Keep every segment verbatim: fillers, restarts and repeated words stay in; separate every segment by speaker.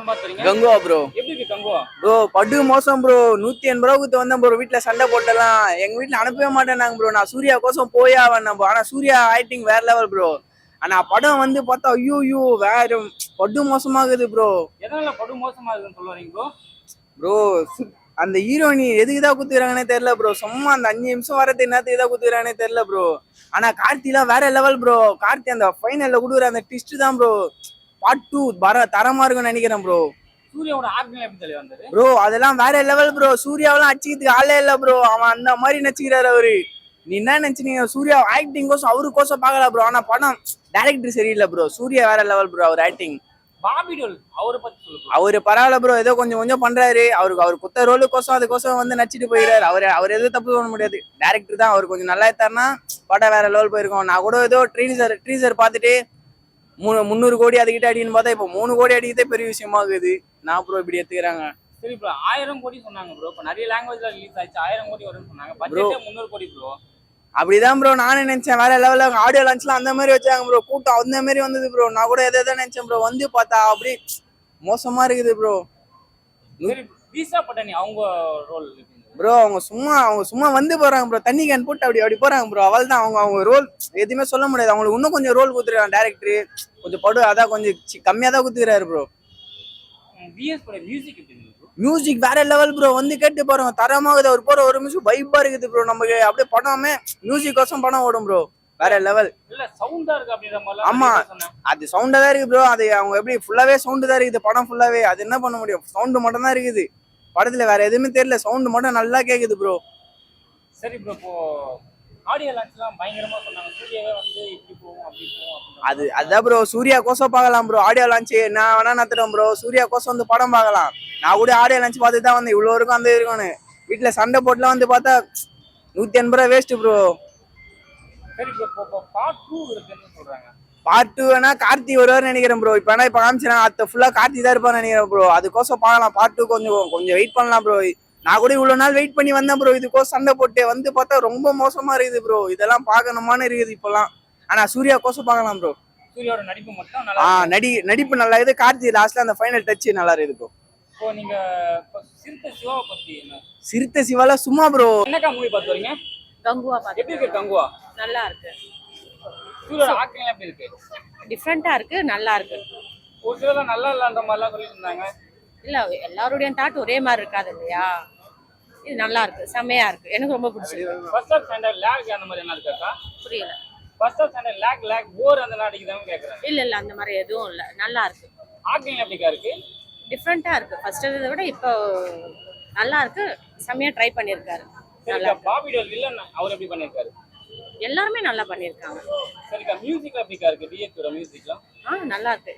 Speaker 1: பாத்துறீங்க?
Speaker 2: Kanguva bro.
Speaker 1: எப்படி இருக்கு Kanguva?
Speaker 2: Bro படு மோசம் ப்ரோ. நூத்தி எண்பது ரூபா குத்து வந்தேன் ப்ரோ. வீட்டுல சண்டை போட்டலாம். எங்க வீட்டுல அனுப்பவே மாட்டேனாங்க ப்ரோ. நான் சூர்யா கோசம் போயா வந்தேன். ஆனா சூர்யா ஆக்டிங் வேற லெவல் ப்ரோ. ஆனா படம் வந்து பார்த்தா ஐயோ ஐயோ வேற படு மோசமாகுது ப்ரோ.
Speaker 1: எதனால படு மோசமாகுதுன்னு சொல்றீங்க ப்ரோ?
Speaker 2: ப்ரோ அந்த ஹீரோயினி எதுக்குதான் குத்துறாங்கன்னே தெரியல ப்ரோ. சும்மா அந்த அஞ்சு நிமிஷம் வரது என்னத்துக்கு தான் குத்துறானே தெரியல ப்ரோ. ஆனா கார்த்திலாம் வேற லெவல் ப்ரோ. கார்த்தி அந்த ஃபைனல்ல கொடுக்குற அந்த ட்விஸ்ட் தான் ப்ரோ. பார்ட் டூ வர தரமா இருக்கும்னு நினைக்கிறேன் ப்ரோ.
Speaker 1: சூர்யாவோட ஆக்டிங் எப்படி தெரிய வந்தது
Speaker 2: ப்ரோ? அதெல்லாம் வேற லெவல் ப்ரோ. சூர்யாவெல்லாம் அடிச்சுக்கிறதுக்கு ஆளே இல்ல ப்ரோ. அவன் அந்த மாதிரி நடிச்சுக்கிறாரு அவரு. நீ என்ன நினைச்சீங்க? சூர்யா ஆக்டிங் கோசம் அவரு கோசம் பாக்கல ப்ரோ. ஆனா படம் டைரக்டர் சரியில்லை ப்ரோ. சூர்யா வேற லெவல் ப்ரோ. அவர் ஆக்டிங்.
Speaker 1: பாபி டோல் அவரை பத்தி சொல்லுங்க.
Speaker 2: அவரு பரவாயில்ல ப்ரோ. ஏதோ கொஞ்சம் கொஞ்சம் பண்றாரு. அவருக்கு அவர் குத்த ரோலுக்கோசம் அதுக்கோசம் வந்து நடிச்சிட்டு போயிடாரு. அவர் அவர் எதுவும் தப்பு பண்ண முடியாது. டேரக்டர் தான். அவர் கொஞ்சம் நல்லா எடுத்தாருன்னா படம் வேற லெவல் போயிருக்கோம். நான் கூட ஏதோ ட்ரீசர் ட்ரீசர் பார்த்துட்டு மூணு முந்நூறு கோடி அதுக்கிட்ட அடின்னு பார்த்தா இப்போ மூணு கோடி அடிக்கிறதே பெரிய விஷயமா இருக்குது. நான் ப்ரோ இப்படி எடுத்துக்கிறாங்க.
Speaker 1: சரி ப்ரோ, ஆயிரம் கோடி சொன்னாங்க ப்ரோ. இப்போ நிறைய லாங்குவேஜ்ல ரிலீஸ் ஆயிடுச்சு. ஆயிரம் கோடி வரும்னு சொன்னாங்க. பட்ஜெட்டே முந்நூறு கோடி ப்ரோ.
Speaker 2: அப்படிதான் ப்ரோ நானே நினைச்சேன். வேற லெவல்ல ஆடியோ லான்ச்லாம் அந்த மாதிரி வச்சாங்க ப்ரோ. கூட்டம் அந்த மாதிரி வந்தது ப்ரோ. நான் கூட எதை எதை நினைச்சேன் ப்ரோ. வந்து பார்த்தா அப்படி மோசமா இருக்குது ப்ரோ.
Speaker 1: சரி, தீஷா பட்டானி அவங்க ரோல்
Speaker 2: ப்ரோ அவங்க சும்மா அவங்க சும்மா வந்து போறாங்க ப்ரோ. தண்ணி கேன் போட்டு அப்படி அப்படி போறாங்க ப்ரோ. அவள் தான் அவங்க அவங்க ரோல் எதுவுமே சொல்ல முடியாது. அவங்களுக்கு இன்னும் கொஞ்சம் ரோல் கொடுத்துருக்காங்க டேரக்டர். கொஞ்சம் படு அதான் கொஞ்சம் கம்மியா தான் கொடுத்துக்கிறாரு ப்ரோ.
Speaker 1: விஎஸ் பட மியூசிக் எப்படி இருக்கு ப்ரோ?
Speaker 2: மியூசிக் வேற லெவல் ப்ரோ. வந்து கேட்டு பாருங்க தரமாகுது. அவர் போற ஒரு மியூசிக் வைப்பா இருக்குது ப்ரோ. நமக்கு அப்படியே படமே மியூசிக் கோசம் படம் ஓடும் ப்ரோ. வேற லெவல்.
Speaker 1: இல்ல சவுண்டா இருக்கு அப்படின்ற மாதிரி.
Speaker 2: ஆமா அது சவுண்டா தான் இருக்கு ப்ரோ. அது அவங்க எப்படி ஃபுல்லாவே சவுண்டு தான் இருக்குது படம் ஃபுல்லாவே. அது என்ன பண்ண முடியும்? சவுண்டு மட்டும் தான் இருக்குது படத்துல. வேற எதுவுமே தெரியல. சவுண்டு மட்டும் நல்லா கேக்குது ப்ரோ.
Speaker 1: சரி ப்ரோ, இப்போ ஆடியோ லான்ச்லாம் பயங்கரமா சொன்னாங்க. சூர்யாவே வந்து இப்படி போகும் அப்படி போகும்.
Speaker 2: அது அதான் ப்ரோ. சூர்யா கோசம் பார்க்கலாம் ப்ரோ. ஆடியோ லான்ச் நான் வேணா நத்துறேன் ப்ரோ. சூர்யா கோசம் வந்து படம் பார்க்கலாம். நான் கூட ஆடியோ லான்ச் பார்த்து தான் வந்து இவ்வளோ இருக்கும் அந்த இருக்கும்னு. வீட்டுல சண்டை போட்டுலாம் வந்து பார்த்தா நூத்தி எண்பது ரூபா வேஸ்ட் ப்ரோ.
Speaker 1: சரி ப்ரோ, இப்போ பார்ட் டூ இருக்குன்னு சொல்றாங்க.
Speaker 2: பார்ட் டூ வேணா கார்த்தி வருவார்னு நினைக்கிறேன் ப்ரோ. இப்போ வேணா இப்போ காமிச்சினா அத்த ஃபுல்லா கார்த்தி தான் இருப்பான்னு நினைக்கிறேன் ப்ரோ. அதுக்கோசம் பார்க்கலாம். பார்ட் டூ கொஞ்சம் கொஞ்சம் வெயிட் பண்ணலாம் ப்ரோ. நான் கூட இவ்வளவு நாள் வெயிட் பண்ணி வந்தேன் ப்ரோ. இதுக்கோசம் சண்டை போட்டு வந்து பார்த்தா ரொம்ப மோசமா இருக்குது ப்ரோ. இதெல்லாம் பார்க்கணுமான்னு இருக்குது இப்பெல்லாம். ஆனா சூர்யா கோசம் பார்க்கலாம் ப்ரோ.
Speaker 1: சூர்யாவோட நடிப்பு மட்டும் நல்லா
Speaker 2: ஆ நடி நடிப்பு நல்லா இருக்குது. கார்த்தி லாஸ்ட்ல அந்த ஃபைனல் டச் நல்லா இருக்குது ப்ரோ.
Speaker 1: இப்போ நீங்க சிறுத்தை சிவாவை பத்தி என்ன?
Speaker 2: சிறுத்தை சிவால சும்மா ப்ரோ.
Speaker 1: என்னக்கா மூவி பார்த்து வரீங்க?
Speaker 3: கங்குவா பாத்து.
Speaker 1: எப்படி இருக்கு கங்குவா?
Speaker 3: நல்லா இருக்கு.
Speaker 1: சூர்யாவோட ஆக்டிங் எப்படி இருக்கு?
Speaker 3: டிஃபரெண்டா இருக்கு, நல்லா இருக்கு.
Speaker 1: ஒரு சிலர் நல்லா இல்லன்ற மாதிரிலாம் சொல்லிட்டு இருந்தாங்க.
Speaker 3: இல்ல எல்லாருடைய தாட் ஒரே மாதிரி இருக்காது இல்லையா? இது நல்லா இருக்கு, செமையா இருக்கு. எனக்கு ரொம்ப பிடிச்சிருக்கு.
Speaker 1: ஃபர்ஸ்ட் ஆஃப் ஸ்டாண்டர்ட் லாக் அந்த மாதிரி என்ன இருக்காக்கா?
Speaker 3: புரியல.
Speaker 1: First half standard lag lag bore அந்த நாடிக்குதான்னு கேக்குறேன்.
Speaker 3: இல்ல இல்ல அந்த மாதிரி எதுவும் இல்ல, நல்லா இருக்கு.
Speaker 1: ஆக்டிங் எப்படிக்கா இருக்கு?
Speaker 3: டிஃபரெண்டா இருக்கு. ஃபர்ஸ்ட் இதை விட இப்போ நல்லா இருக்கு. செமையா ட்ரை பண்ணிருக்காரு.
Speaker 1: சரிக்கா, பாபி டோல் வில்லன் அவர் எப்படி பண்ணிருக்காரு?
Speaker 3: எல்லாருமே நல்லா பண்ணிருக்காங்க.
Speaker 1: சரிக்கா, மியூசிக் எப்படிக்கா இருக்கு? டிஎஸ்பியோட மியூசிக்லாம்
Speaker 3: ஆ நல்லா இருக்கு.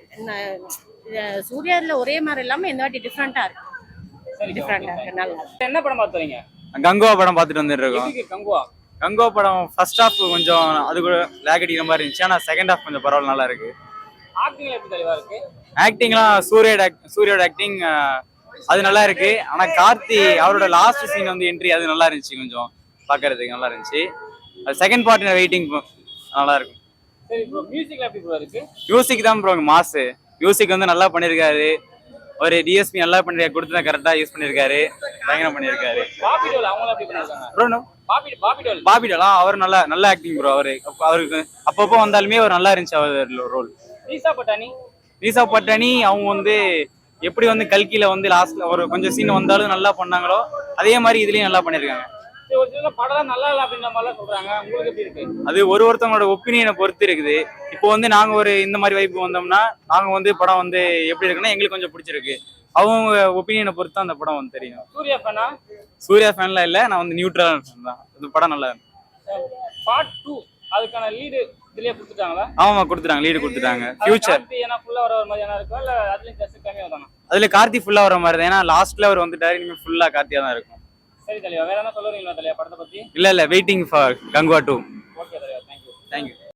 Speaker 3: சூர்யால ஒரே மாதிரி இல்லாம இந்த வாட்டி டிஃபரெண்டா இருக்கு.
Speaker 1: சரி,
Speaker 3: டிஃபரெண்டா இருக்கு, நல்லா இருக்கு.
Speaker 1: என்ன படம் பார்த்து வரீங்க?
Speaker 4: கங்குவா படம் பார்த்துட்டு வந்துட்டு இருக்கோம்.
Speaker 1: எப்படி கங்குவா?
Speaker 4: கங்குவா படம் ஃபர்ஸ்ட் ஹாஃப் கொஞ்சம் அது கூட லேக் அடிக்கிற மாதிரி இருந்துச்சு. ஆனால் செகண்ட் ஹாஃப் கொஞ்சம் பரவாயில்ல, நல்லா இருக்கு.
Speaker 1: ஆக்டிங் எப்படி தெளிவா இருக்கு?
Speaker 4: ஆக்டிங்லாம் சூர்யோட சூர்யோட ஆக்டிங் அது நல்லா இருக்கு. ஆனால் கார்த்தி அவரோட லாஸ்ட் சீன் வந்து என்ட்ரி அது நல்லா இருந்துச்சு. கொஞ்சம் பார்க்கறதுக்கு நல்லா இருந்துச்சு. அது செகண்ட் பார்ட் வெயிட்டிங் நல்லா இருக்கும்.
Speaker 1: சரி ப்ரோ, மியூசிக்ல எப்படி ப்ரோ இருக்கு?
Speaker 4: மியூசிக் தான் ப்ரோ மாசு. மியூசிக் வந்து நல்லா பண்ணியிருக்காரு. ஒரு டிஎஸ்பி நல்லா பண்ணிருக்காரு. கொடுத்து கரெக்டாக யூஸ் பண்ணியிருக்காரு. பயங்கரம் பண்ணியிருக்காரு.
Speaker 1: பாபி டோல் அவங்க எப்படி பண்ணிருக்காங்க
Speaker 4: ப்ரோ?
Speaker 1: பாபி பாபி டோல்
Speaker 4: பாபி டோலா அவர் நல்ல நல்ல ஆக்டிங் ப்ரோ. அவரு அவருக்கு அப்பப்போ வந்தாலுமே அவர் நல்லா இருந்துச்சு அவர் ரோல்.
Speaker 1: தீஷா பட்டானி
Speaker 4: தீஷா பட்டானி அவங்க வந்து எப்படி வந்து கல்கில வந்து லாஸ்ட்ல ஒரு கொஞ்சம் சீன் வந்தாலும் நல்லா பண்ணாங்களோ அதே மாதிரி இதுலயும் நல்லா பண்ணிருக்காங்க.
Speaker 1: ஒரு சில படம் நல்லா இல்ல அப்படின்ற மாதிரிலாம் சொல்றாங்க. உங்களுக்கு எப்படி இருக்கு?
Speaker 4: அது ஒரு ஒருத்தவங்களோட ஒப்பீனியனை பொறுத்து இருக்குது. இப்போ வந்து நாங்க ஒரு இந்த மாதிரி வைப்பு வந்தோம்னா நாங்க வந்து படம் வந்து எப்படி இருக்குன்னா எங்களுக்கு கொஞ்சம் பிடிச்சிருக்கு. அவங்க ஒப்பீனியனை பொறுத்து அந்த படம் வந்து தெரியும்.
Speaker 1: சூர்யா ஃபேனா?
Speaker 4: சூர்யா ஃபேன்லாம் இல்ல, நான் வந்து நியூட்ரல் ஃபேன் தான். இந்த படம் நல்லா இருக்கு.
Speaker 1: பார்ட் டூ அதுக்கான லீடு இதுலயே கொடுத்துட்டாங்களா?
Speaker 4: ஆமா கொடுத்துட்டாங்க, லீடு கொடுத்துட்டாங்க. ஃபியூச்சர்
Speaker 1: ஏன்னா ஃபுல்லா வர மாதிரி என்ன இருக்கும் இல்ல அதுலயும் ஜஸ்ட் கம்மியா வந்தாங்க?
Speaker 4: அதுல கார்த்தி ஃபுல்லா வர மாதிரி தான். ஏன்னா லாஸ்ட்ல அவர் வந்துட்டாரு. இனிமே ஃபுல்லா கார்த்தியா தான் இருக்கும்.
Speaker 1: சரி தலைவா, வேற என்ன சொல்லுவீங்களா தலைவா படத்தை பத்தி?
Speaker 4: இல்ல இல்ல waiting for Kanguva two.
Speaker 1: Okay தலைவா, தேங்க்யூ
Speaker 4: தேங்க்யூ.